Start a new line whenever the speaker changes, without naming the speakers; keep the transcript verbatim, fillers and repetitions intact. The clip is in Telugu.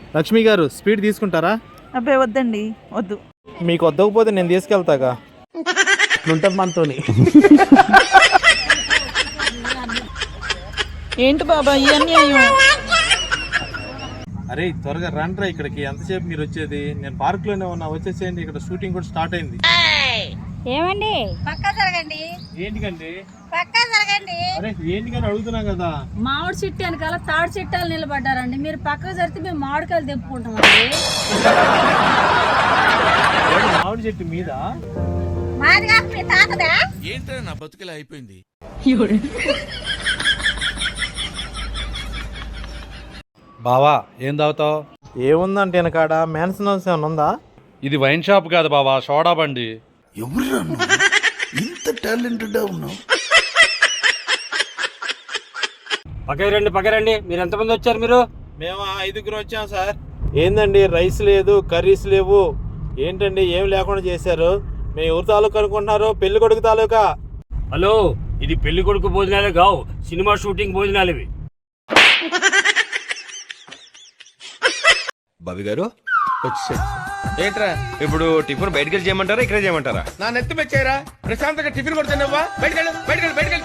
లక్ష్మి గారు స్పీడ్ తీసుకుంటారా?
అబ్బాయి వద్దండి, వద్దు.
మీకు వద్దకపోతే నేను తీసుకెళ్తాగా.
ఉంటుంది మనతోని.
ఏంటి బాబా ఈ అన్యాయం?
అరే త్వరగా రండ్రా ఇక్కడికి. ఎంతసేపు మీరు వచ్చేది? నేను పార్క్ లోనే ఉన్నా, వచ్చేసేయండి. ఇక్కడ షూటింగ్ కూడా స్టార్ట్ అయింది.
ఏమండి పక్కా జరగండి.
ఏంటికండి?
పక్కా జరగండి.
అరే ఏంటికని అడుగుతున్నా కదా.
మామిడి చెట్టు వెనకాల తాడి చెట్టాలు నిలబడ్డారండి. మీరు పక్కకు జరిగితే మేము మామిడికాయలు తెప్పుకుంటామండి.
మామిడి చెట్టు మీద
మాది కాక మీ తాతదా?
ఏంటో నా బతుకులా అయిపోయింది.
బావా ఏం తాగుతావు?
ఏముందంటే వెనకాడ మ్యాన్సన్ హౌస్ ఏమైనా ఉందా?
ఇది వైన్ షాప్ కాదు బావా, సోడా బండి.
ఎవరురా ఇంత టాలెంటెడ్ ఉన్నావు?
పక్కరండి పక్కరండి. మీరు ఎంతమంది వచ్చారు? మీరు
మేము ఐదుగురు వచ్చాం సార్. ఏందండి రైస్ లేదు, కర్రీస్ లేవు, ఏంటండి ఏం లేకుండా చేశారు? మేము ఎవరు తాలూకా అనుకుంటున్నారు? పెళ్లి కొడుకు తాలూకా.
హలో, ఇది పెళ్లి కొడుకు భోజనాలే కావు, సినిమా షూటింగ్ భోజనాలు ఇవి.
బాబీ గారు వచ్చే ఏంట్రా ఇప్పుడు టిఫిన్ బయటకెళ్ళి చేయమంటారా ఇక్కడే చేయమంటారా?
నా నెత్తి మెచ్చారా? ప్రశాంతంగా టిఫిన్ కొడుతున్నావా? బయటకెళ్ళు బయటకెళ్ళు బయటకెళ్ళు.